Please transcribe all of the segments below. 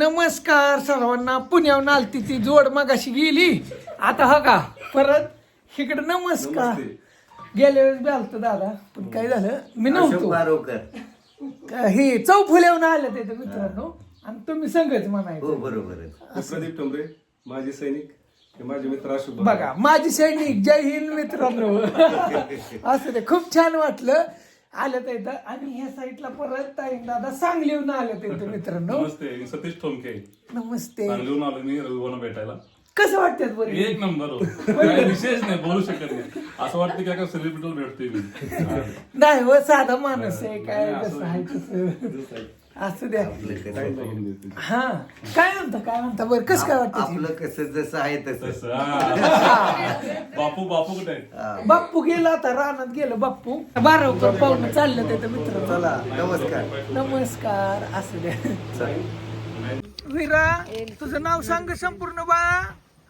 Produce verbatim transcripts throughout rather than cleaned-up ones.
नमस्कार सर्वांना. पुण्याहून आलती ती जोड मगाशी गेली, आता हा का परत इकडे नमस्कार. गेल्या वेळेस बी आलतो दादा, पण काय झालं मी नव्हतो. हे चौफुल्याहून आलं ते मित्रांनो, आणि तुम्ही संगच म्हणायचं. बरोबर. प्रदीप टोंबरे माझे सैनिक, माझे मित्र अशोक. बघा माझी सैनिक, जय हिंद मित्रांनो. असं ते खूप छान वाटलं आलं तर इथं. आणि ह्या साईडला परत ताई दादा सांगलीहून आलं ते मित्रांनो. नमस्ते, सतीश ठोमके. नमस्ते. सांगलीहून आलो मी रविवार भेटायला. कसं वाटतात बरं? एक नंबर हो, काय विशेष नाही, बोलू शकत नाही. असं वाटतं की काय सेलिब्रिटीला भेटतोय मी. नाही हो, साधा माणूस आहे, काय कसं आहे तसं असं द्या. हा काय म्हणता काय म्हणता बरं, कसं काय वाटतं? आपलं कसं जसं आहे तसं. बापू बापू कुठे आहे? बाप्पू गेला आता, रानात गेलं बाप्पू. बारा पाहुणं चाललं ते मित्र. चला नमस्कार. नमस्कार. असं द्या. विरा, तुझं नाव सांग संपूर्ण बाळा.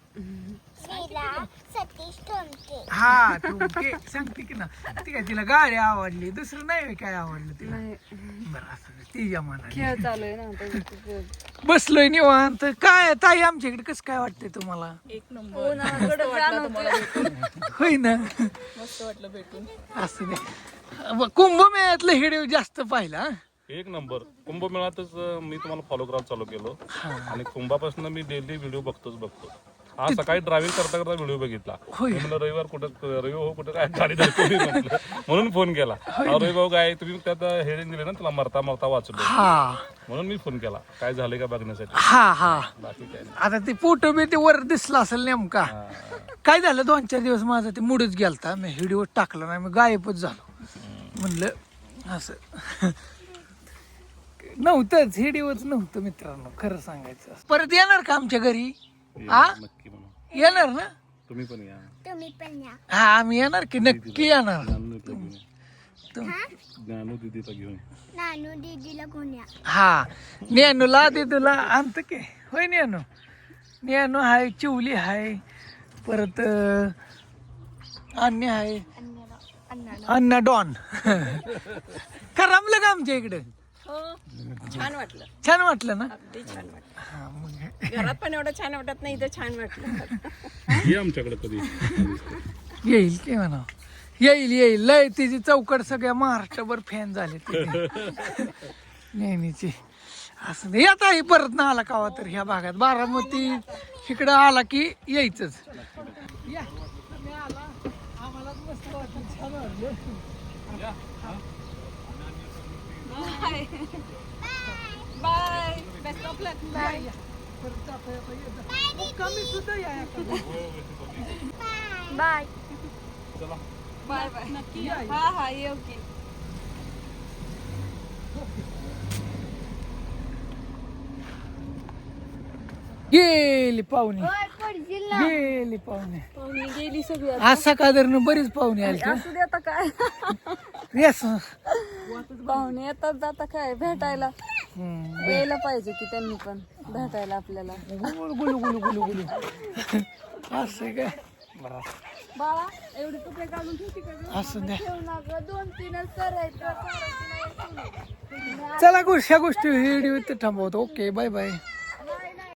सतीश ठोमके. हा ठोमके सांगते की ना. ती काय तिला गाडी आवडली, दुसरं नाही काय आवडलं तिला. बरं असं तिच्या मनाने खेळ चालू आहे ना. बसलोय निवांत. काय ताई आमच्याकडे कसं काय वाटतंय तुम्हाला? एक नंबर होय ना, मस्त वाटलं भेटून. असं द्या. कुंभमेळ्यातलं हिडिओ जास्त पाहिला. एक नंबर. कुंभमेळ्यातच मी तुम्हाला फॉलो करायला चालू केलो, आणि कुंभापासून मी डेली व्हिडिओ बघतोच बघतो. हा सकाळी ड्रायव्हिंग करता करता व्हिडिओ बघितला. मी म्हणलं रविवार कुठं रवि हो कुठं काय गाडी धरतो म्हटलं, म्हणून फोन केला. रवि भाऊ काय तुम्ही त्यात हेडिंग दिले ना, तुला मरता मरता वाचलो, हा म्हणून मी फोन केला काय झालंय का बघण्यासाठी. हा हा बाकी काय नाही. आता ते फोटो बी ते वर दिसला असेल नेमका. काय झालं, दोन चार दिवस माझा ते मूडच गेलता, मी व्हिडिओ टाकला नाही, मी गायबच झालो. म्हणलं असं नव्हतंच, व्हिडिओच नव्हतं मित्रांनो, खरं सांगायचं. परत येणार का आमच्या घरी? आ नक्की म्हणून येणार ना? तुम्ही पण या. तुम्ही पण या. हा आम्ही येणार की नक्की येणार. ज्ञानू दिदीला घेऊन. नानू दीदीला कोण या. हा नेनूला दिदूला आणत की. होय नेनू. नेनू हाय, चिवली हाय, परत अन्य हाय, अण्णा डॉन. करमलं का आमच्या इकडे? छान वाटलं. छान वाटलं ना? अगदी छान वाटलं. हा मग घरात पण एवढं छान वाटत नाही, इथं छान वाटलं. ये आमच्याकडे कधी. येईल की म्हणा, येईल येईल. लय तिची चौकट सगळ्या महाराष्ट्रभर फॅन झाले नेहमीची. असं नाही, आता ही परत ना आला कावा तर ह्या भागात बारामती इकडं आला की यायचंच. या तुम्ही आला, आम्हाला मस्त वाटलं, छान वाटलं. Bye. Best of luck. Bye. परत जाता येता येतं. मुक्कामी सुद्धा या एखाद्या. बाय. Bye bye. नक्की हा हा येऊ की. गेली पाहुणे, ओय, पडशील ना. गेली पाहुणे. पाहुणे गेली सगळी. आज सकाळदरनं बरीच पाहुणे आली. असू दे आता काय. येस. पाहुणे येतात जाता काय भेटायला. यायला पाहिजे की त्यांनी पण भेटायला आपल्याला. गुलू गुलू गुलू गुलू गुलू. असं काय बाळा एवढे कपडे काढून ठेवते का? असं द्या. ठेवू नका, दोन तीनच करायचं. चला गोष्ट ह्या गोष्टी व्हिडिओ इथे थांबवतो. Okay bye bye.